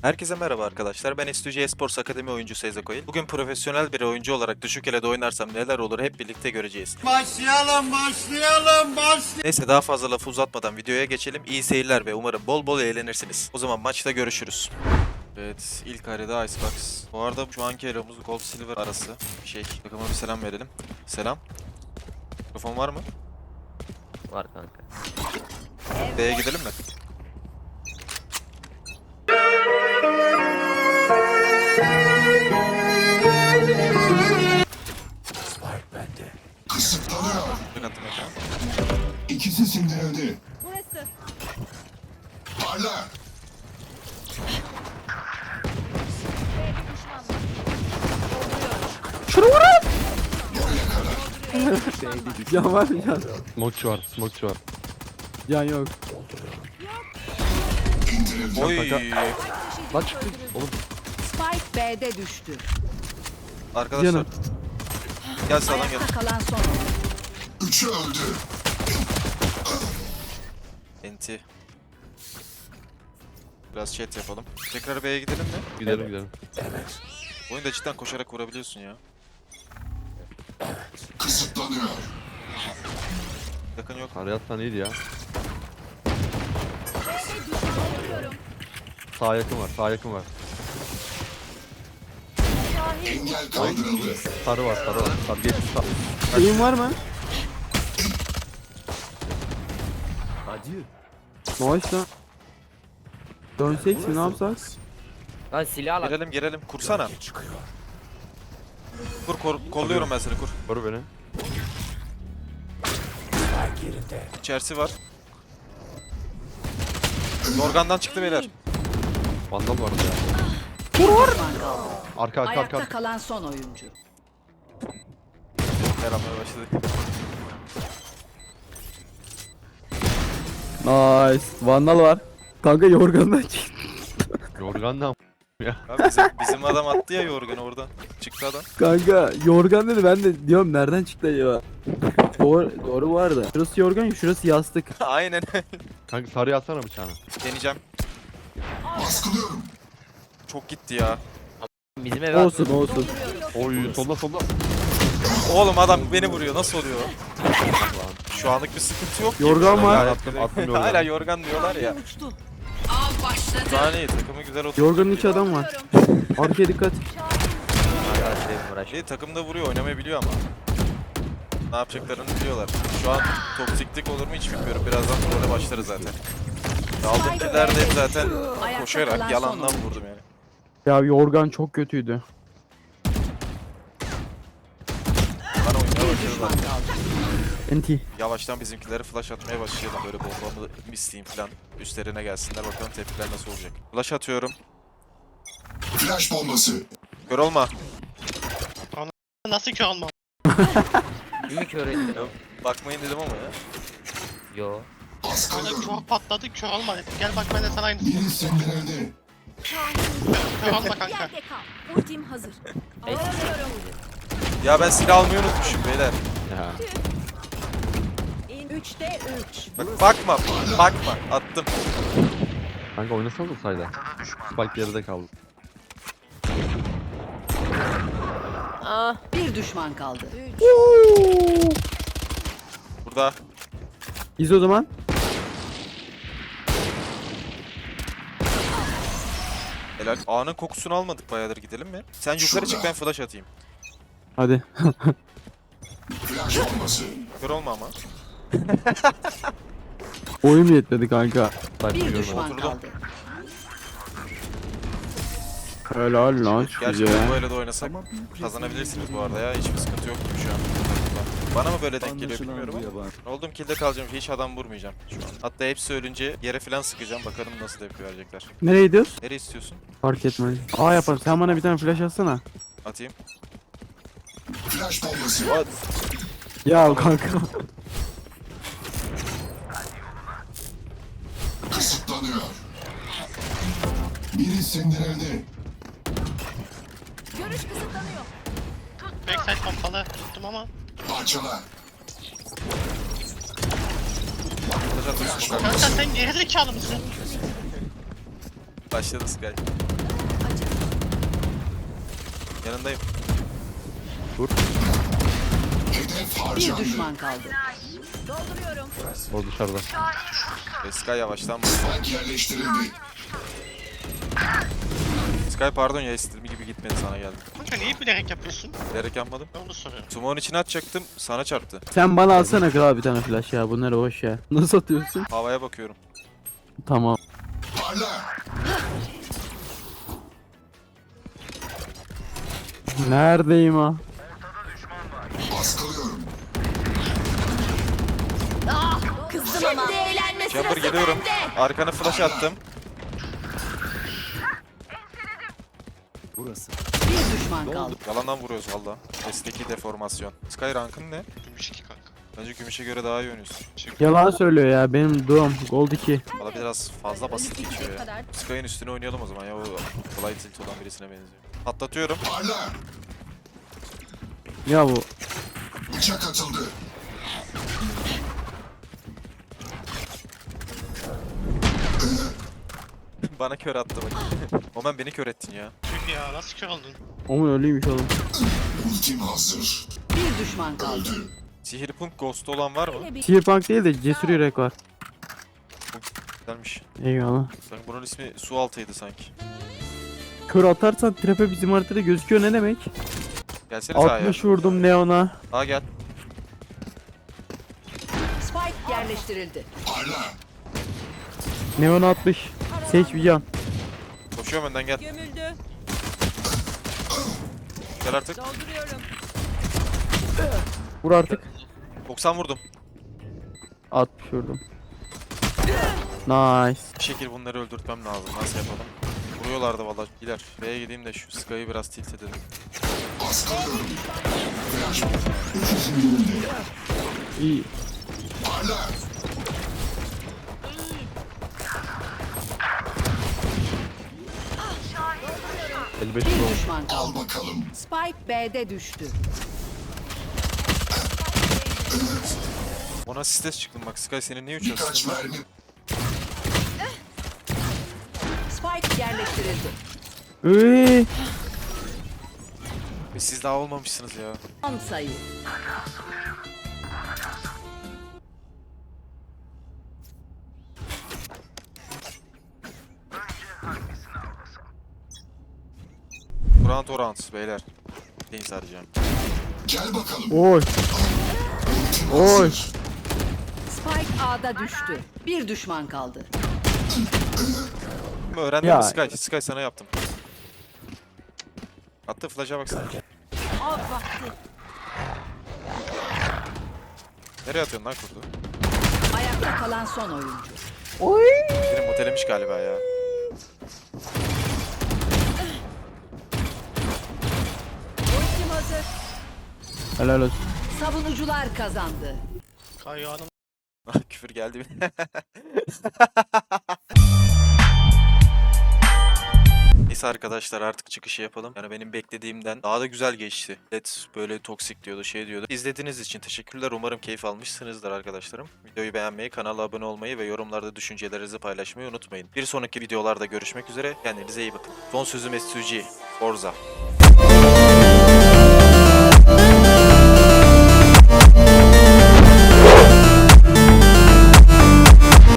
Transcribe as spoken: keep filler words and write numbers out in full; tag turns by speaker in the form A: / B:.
A: Herkese merhaba arkadaşlar. Ben S two G Esports Akademi oyuncusu Ezekoil. Bugün profesyonel bir oyuncu olarak düşük elede oynarsam neler olur hep birlikte göreceğiz.
B: Başlayalım, başlayalım, başlayalım.
A: Neyse daha fazla lafı uzatmadan videoya geçelim. İyi seyirler ve umarım bol bol eğlenirsiniz. O zaman maçta görüşürüz. Evet, ilk harita Icebox. Bu arada şu anki elomuz Gold Silver arası bir şey. Takıma bir selam verelim. Selam. Mikrofon var mı?
C: Var kanka.
A: B'ye gidelim mi?
D: Spike bende. Kısıtlanıyor.
A: Dün attım ekran.
D: İkisi sindirildi.
E: Burası.
D: Parla.
F: Can var mı can?
G: Smokeçu var, smokeçu var.
F: Can yok.
D: İndirildi.
A: Oy.
G: Lan çıktı. Oğlum
E: Spike B'de düştü.
A: Arkadaşlar.
F: Canım.
A: Gel sağdan gel.
E: Ayakta kalan son.
D: Üçü öldü.
A: Enti. Biraz chat yapalım. Tekrar B'ye gidelim mi?
G: gidelim gidelim.
A: Oyunda cidden koşarak vurabiliyorsun ya.
D: Kısıtlanıyor.
A: Yakın yok.
G: Arayattan iyiydi ya. Sağ yakın var, sağ yakın var.
D: Engel kaldırıldı.
G: Sarı var, sarı var. Sarı geçti sarı.
F: Şeyin var mı?
G: Acı.
F: Maaş lan. Dönsek mi ne yapsak?
C: Lan silah al.
A: Girelim girelim. Kursana. Kur, kor, kolluyorum ben seni kur.
G: Koru beni.
A: İçerisi var. Yorgandan çıktı beyler.
G: Vandal vardı ya.
E: Düşman kaldı.
G: Arka arka
E: Ayakta
G: arka.
E: kalan son oyuncu.
A: Yaramaya başladı.
F: Nice. Vandal var. Kanka yorgandan çıktı.
G: Yorgan da
A: Ya bizim, bizim adam attı ya yorganı oradan. Çıktı adam.
F: Kanka yorgan dedi ben de diyorum nereden çıktı acaba? doğru, doğru bu arada. Şurası yorgan şurası yastık.
A: Aynen.
G: Kanka sarı atsana bıçağını.
A: Deneyeceğim.
D: Baskılıyorum.
A: Çok gitti ya.
C: Bizim eve
F: Olsun olsun.
G: Oy solda solda.
A: Oğlum adam beni vuruyor. Nasıl oluyor? Şu anlık bir sıkıntı yok.
F: Yorgan var.
G: Attım attım yorgan.
A: Hala yorgan diyorlar ya.
E: Av başladı.
A: Daha iyi takımı güzel oturttu.
F: Yorganın içi adam var. Arkaya dikkat.
C: arkadaşlarım uğraş.
A: İyi takımda vuruyor. Oynamayı biliyor ama. Ne yapacaklarını biliyorlar. Şu an toksiklik olur mu hiç bilmiyorum. Birazdan böyle başlarız zaten. Aldığım killer de hep zaten
E: Ayakta
A: koşarak
E: kalan
A: yalandan
E: son
A: vurdum yani.
F: Ya yorgan çok kötüydü.
A: Bana oynamaya
E: Bir düşman
A: başladılar.
E: kaldı.
F: Enti.
A: Yavaştan bizimkileri flash atmaya başlayalım. Böyle bombamı misleyeyim falan. Üstlerine gelsinler. Bakalım tepkiler nasıl olacak. Flash atıyorum.
D: Flash bombası.
A: Kör olma.
H: Nasıl ki olmam?
C: İyi ki öğrettin.
A: Bakmayın dedim ama ya.
C: Yo.
D: Baskılıyorum.
H: Çok patladı kör olma. Gel bak ben de sana aynısını.
D: Biri sindirildi.
H: Kör olma kanka.
E: Yerde kal. Ultim hazır.
A: Ya ben silah almayı unutmuşum beyler.
G: Ya.
E: Üçte üç.
A: Bak bakma. Bakma. Attım.
G: Kanka oynasana da sayda. Spike geride kaldı.
E: Bir düşman kaldı.
A: Burada.
F: İz o zaman.
A: Helal. A'nın kokusunu almadık bayağıdır, gidelim mi? Sen yukarı çık, ben flash atayım.
F: Hadi.
D: Flash bombası.
A: Kör olma ama.
F: Oyun yetmedi kanka.
G: Sniper
E: Bir
G: görmedim.
E: düşman
A: Oturdum.
E: kaldı.
F: Helal lan
A: Gerçekten
F: size.
A: böyle de oynasak kazanabilirsiniz bu arada ya. Hiçbir sıkıntı yok gibi şu an. Bana mı böyle denk geliyor bilmiyorum ama. Olduğum kill'de kalacağım. Hiç adam vurmayacağım şu an. Hatta hepsi ölünce yere falan sıkacağım. Bakalım nasıl tepki verecekler.
F: Nereye gidiyoruz?
A: Nereye istiyorsun?
F: Fark etmez. Aa yapalım. Sen bana bir tane flash atsana.
A: Atayım.
D: Flash bombası.
A: At.
F: Ya kanka.
D: Kısıtlanıyor. Biri sindirildi.
E: Görüş kısıtlanıyor.
H: Backside pompalı tuttum ama.
D: Parçala.
A: Flash atıyorsun.
H: Kanka sen gerizekalı mısın?
A: Başladı Sky.
E: tabanca.
A: Yanındayım.
D: Hedef
E: Bir
D: harcandı.
E: düşman kaldı. Dolduruyorum.
G: O dışarıda.
A: E, Sky yavaştan vur.
D: Spike yerleştirildi.
A: Sky pardon ya istediğim gibi gitmedi sana geldi.
H: Kanka niye bilerek yapıyorsun?
A: Bilerek yapmadım.
H: Ben onu soruyorum.
A: Smoke'un içine atacaktım sana çarptı.
F: Sen bana alsana kral bir tane flash ya. Bunları boş ya. Nasıl atıyorsun?
A: Havaya bakıyorum.
F: Tamam.
D: Parla.
F: Neredeyim ha?
D: Baskılıyorum.
E: Kızdım ama. Şimdi eğlenme
A: Chamber
E: sırası
A: geliyorum.
E: bende.
A: Arkana flash attım.
E: Bir düşman kaldı.
A: Yalandan vuruyoruz valla. S'deki deformasyon. Sky rankın ne?
H: Gümüş iki kanka.
A: Bence gümüşe göre daha iyi oynuyorsun.
F: Yalan söylüyor ya. Benim duam gold iki.
A: Valla biraz fazla basit
E: Ölüp
A: geçiyor
E: bitecek
A: ya.
E: kadar.
A: Sky'ın üstüne oynayalım o zaman ya. O kolay tilt olan birisine benziyor. Patlatıyorum.
D: Parla.
F: Ya bu.
D: Bıçak atıldı.
A: Bana kör attı bak. Omen beni kör ettin ya.
H: Tüh ya nasıl kör oldun?
F: Omun ölüymüş oğlum.
D: Ultim hazır.
E: Bir düşman kaldı.
D: Öldü.
A: Sihir punk ghost olan var mı?
E: Öyle bir
F: Cyberpunk değil de cesur yürek var.
A: Güzelmiş.
F: Eyvallah.
A: Sanki bunun ismi su altıydı sanki.
F: Kör atarsan trepe bizim haritada gözüküyor ne demek?
A: Gelsene sahaya.
F: altmış vurdum Neon'a.
A: Daha gel.
E: Spike yerleştirildi.
D: Parla.
F: Neon altmış. Seç bir can.
A: Koşuyorum önden gel.
E: Gömüldü.
A: Gel artık.
E: Dolduruyorum.
F: Vur artık.
A: doksan vurdum.
F: altmış vurdum. Nice.
A: Bir şekilde bunları öldürtmem lazım. Nasıl yapalım? Vuruyorlardı valla. Gider. B'ye gideyim de şu Sky'ı biraz tilt edelim.
D: Baskılıyorum. Flash.
F: İyi.
D: Parla.
G: elli beş
E: Bir
G: oldu.
E: düşman kaldı.
D: Al bakalım.
E: Spike B'de düştü.
A: Ona stres çıktım bak. Sky senin niye üç
D: Birkaç
A: asistin var?
D: mermi.
E: Spike yerleştirildi.
F: Üy.
A: E, Siz daha olmamışsınız ya.
E: on sayı.
A: Round o round beyler. Deniz arayacağım.
D: Gel bakalım.
F: Oy.
D: Ultim
F: Oy.
D: hazır.
E: Spike A'da düştü. Bir düşman kaldı.
A: Öğrendin
F: Ya.
A: mi Sky? Sky sana yaptım. Attı flash'a baksana.
E: Av vakti.
A: Nereye atıyorsun lan kurdu?
E: Ayakta kalan son oyuncu.
A: Benim motelemiş galiba ya.
E: Ultim hazır.
F: Helal olsun.
E: Savunucular kazandı.
H: Kayo adam.
A: Küfür geldi mi? Neyse arkadaşlar artık çıkışı yapalım. Yani benim beklediğimden daha da güzel geçti. Evet böyle toksik diyordu şey diyordu. İzlediğiniz için teşekkürler. Umarım keyif almışsınızdır arkadaşlarım. Videoyu beğenmeyi, kanala abone olmayı ve yorumlarda düşüncelerinizi paylaşmayı unutmayın. Bir sonraki videolarda görüşmek üzere. Kendinize iyi bakın. Son sözüm S two G. Forza.